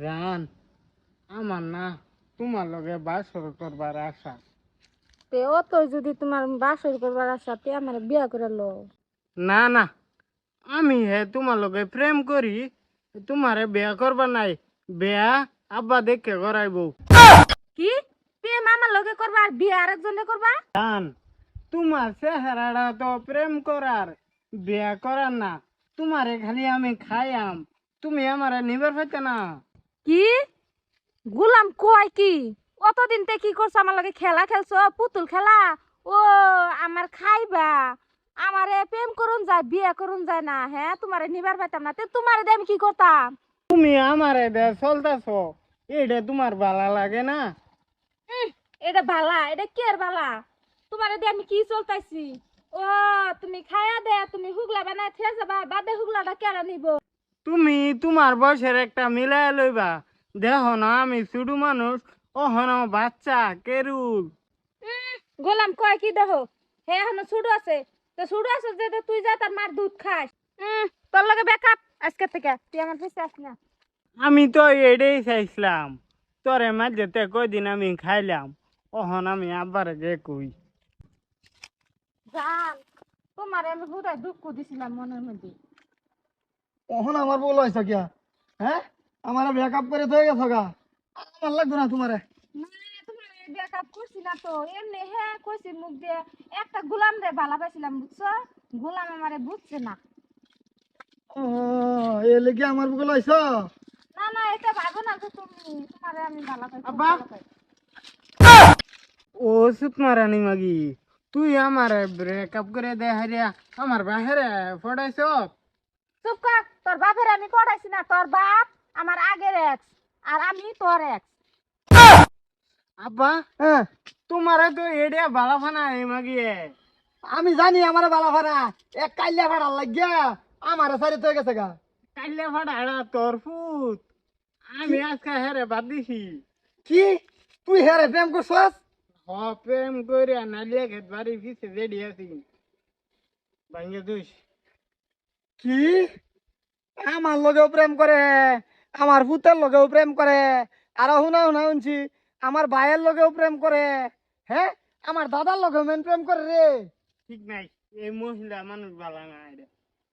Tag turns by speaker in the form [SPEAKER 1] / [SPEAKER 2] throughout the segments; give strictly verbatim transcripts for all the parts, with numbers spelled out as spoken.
[SPEAKER 1] জান আমার না তোমার লগে বাসর করবার আশা।
[SPEAKER 2] তে ও তো যদি তোমার বাসর করবার আশা তে আমার বিয়া করে লো।
[SPEAKER 1] না না, আমি হে তোমার লগে প্রেম করি, তোমারে বিয়া করবার নাই। বিয়া আব্বা দেখে করাইব।
[SPEAKER 2] কি প্রেম আমার লগে করবা আর বিয়া আরেকজনে করবা?
[SPEAKER 1] জান তোমার চেহারাটা তো প্রেম করার, বিয়া করার না। তোমারে খালি আমি খাইয়াম, তুমি আমারে নিবার পাইতে না।
[SPEAKER 2] কি গুলাম কয় কি? অতদিন তে কি করছ আমার লগে? খেলা খেলছো, পুতুল খেলা? ও আমার খাইবা, আমারে প্রেম করুন যায় বিয়া করুন যায় না? হ্যাঁ তোমারে নিবার পাইতাম না, তে তোমারে দিয়ে আমি কি করতাম?
[SPEAKER 1] তুমি আমারে দে চলতেছ, এটা তোমার ভালো লাগে না?
[SPEAKER 2] উম, এটা বালা, এটা কি আর বালা? তোমারে দিয়ে আমি কি চলতাইছি? ও তুমি খায়া দে, তুমি হুগলা বানায় থে যাবা, বাদে হুগলাটা কেরা নিব?
[SPEAKER 1] তুমি তোমার বয়সের একটা মিলাই লইবা। দেখো না আমি ছোট মানুষ, ওহনো বাচ্চা কেরুল।
[SPEAKER 2] উম, গোলাম কয় কি দেখো, হে এখনো ছোট আছে, তো ছোট আছে যে তুই যা তার মার দুধ খাস। উম, তোর লগে ব্যাকআপ আজকে থেকে তুই আমার পিছে আস না।
[SPEAKER 1] আমি তো এটাই চাইছিলাম, তোরে মাঝেতে কয়দিন আমি খাইলাম, ওহন আমি আবার গে কই।
[SPEAKER 2] জান তোমারে আমি হুদায় দুঃখ দিছিলাম মনের মধ্যে।
[SPEAKER 3] কখন আমার বল হয়েছে কিয়া? হ্যাঁ, আমার ব্রেকআপ করে থয়ে গেছো গা। আমার লাগবে না তোমারে।
[SPEAKER 2] না তোমারে ব্যাকআপ করছি না তো, এমনি হে কইছি মুখ দিয়ে। একটা গোলাম রে ভালা পাইছিলাম বুঝছো, গোলাম আমারে বুঝছে না।
[SPEAKER 3] ও, এ লেগে আমার বল হয়েছ?
[SPEAKER 2] না না এটা ভাবো না যে তুমি, তোমারে আমি ভালা পাইছি
[SPEAKER 1] আব্বা।
[SPEAKER 2] ভালা পাই।
[SPEAKER 1] ও সুতমারানি মাগি, তুই আমার ব্রেকআপ করে দে হারিয়া আমার বাহিরে ফটাইছ।
[SPEAKER 2] চুপ কর, তোর বাপের আমি পড়াইছি না, তোর বাপ আমার আগের এক্স আর আমি তোর এক্স।
[SPEAKER 1] আব্বা
[SPEAKER 3] হ্যাঁ,
[SPEAKER 1] তোমারে তো এডিয়া ভালো ফানা এই মাগিয়ে।
[SPEAKER 3] আমি জানি আমার বালা ভাড়া এক কাইলা ভাড়া লাগিয়া আমার সারি থয়ে গেছে গা।
[SPEAKER 1] কাইলে ফাটা তোর ফুট, আমি আজকে হেরে বাদ দিছি।
[SPEAKER 3] কি তুই হেরে প্রেম করছস?
[SPEAKER 1] হ প্রেম করে নালিয়া খেত বাড়ি পিছে রেডি আছি, ভাঙ্গে দুইস।
[SPEAKER 3] কি আমার লগেও প্রেম করে, আমার পুতের লগেও প্রেম করে, আর শুনা শুনা শুনছি আমার ভাইয়ের লগেও প্রেম করে। হ্যাঁ, আমার দাদার লগেও মেন প্রেম করে রে।
[SPEAKER 1] ঠিক নাই, এই মহিলা মানুষ ভালো না এটা।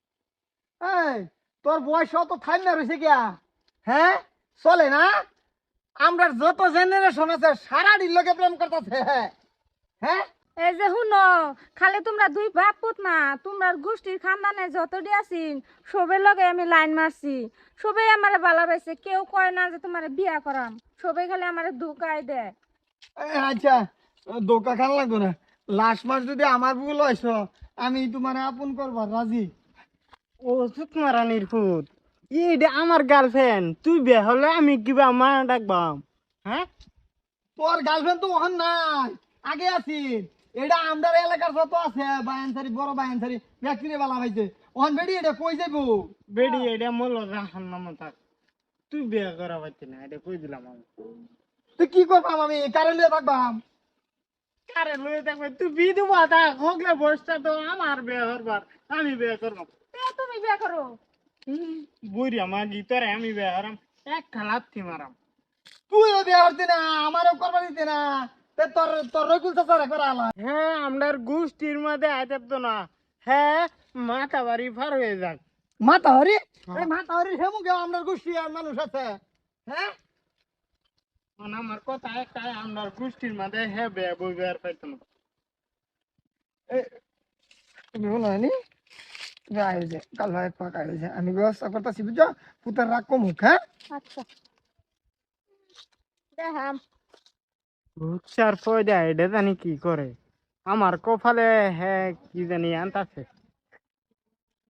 [SPEAKER 3] এই তোর বয়স তো থাই না রয়েছে গিয়া। হ্যাঁ, চলে না? আমরা যত জেনারেশন আছে সারা দিন লোকে প্রেম করতেছে। হ্যাঁ,
[SPEAKER 2] এই যে শুনো, খালি তোমরা দুই বাপ পুত না, তোমরা গোষ্ঠীর খানদানে যতটি আছিন সবের লগে আমি লাইন মারছি, সবাই আমারে ভালা পাইছে, কেউ কয় না যে তোমারে বিয়া করাম, সবাই খালি আমারে ধোকাই দেয়।
[SPEAKER 3] এই আচ্ছা, দোকা খান লাগবে না। লাস্ট মাস যদি আমার ভুল হয়েছ, আমি তোমার আপন করবার রাজি।
[SPEAKER 1] ও সুতমারানির ফুট, এটা আমার গার্লফ্রেন্ড, তুই বিয়ে হলে আমি কিবা মা ডাকবাম? হ্যাঁ,
[SPEAKER 3] তোর গার্লফ্রেন্ড তো ওখান নাই, আগে আছিস। এটা আমাদের এলাকার যত আছে বায়ানসারি, বড় বায়ানসারি ব্যক্তিরে বালা ভাইছে ওখান বেড়ি এটা কই যাবো?
[SPEAKER 1] বেডি এটা মোল রাখার নাম থাক, তুই বিয়ে করা পারছি না, এটা কই দিলাম আমি।
[SPEAKER 3] তুই কি করবাম? আমি কারে লিয়ে থাকবাম?
[SPEAKER 1] কারে লয়ে থাকবে তুই বিয়ে দেবো, তা হোকলে বয়সটা তো আমার বিয়ে করবার, আমি বিয়ে করবো।
[SPEAKER 2] তে তুমি বিয়া করো?
[SPEAKER 1] বুড়িয়া মাগি তোরে আমি বিয়ে হারাম, এক খালাত্তি মারাম।
[SPEAKER 3] তুইও বিয়ে করতি না, আমারও করবা দিতি না। তে তোর তোর রকুল চাচার একবার আলা।
[SPEAKER 1] হ্যাঁ আমরার গোষ্ঠীর মধ্যে আইতাম তো না। হ্যাঁ মাথা বাড়ি পার হয়ে যাক।
[SPEAKER 3] মাতা হরি, এই মাতা হরি হেমুকে আমরা গোষ্ঠী আর মানুষ আছে। হ্যাঁ,
[SPEAKER 1] মানে আমার কথা একটাই, আমরার গোষ্ঠীর মধ্যে হ্যাঁ বিয়ে বই বিয়ে পাইতাম না।
[SPEAKER 3] তুমি বলো নি তুমি আয়োজে কাল ভাই পাক আয়োজে আমি ব্যবস্থা করতেছি বুঝছো। পুতার রাগ কমুক। হ্যাঁ,
[SPEAKER 2] আচ্ছা দেখাম।
[SPEAKER 1] রূপসার ফয়দা এটা জানি কি করে, আমার কপালে হ্যাঁ কি জানি আনতাছে।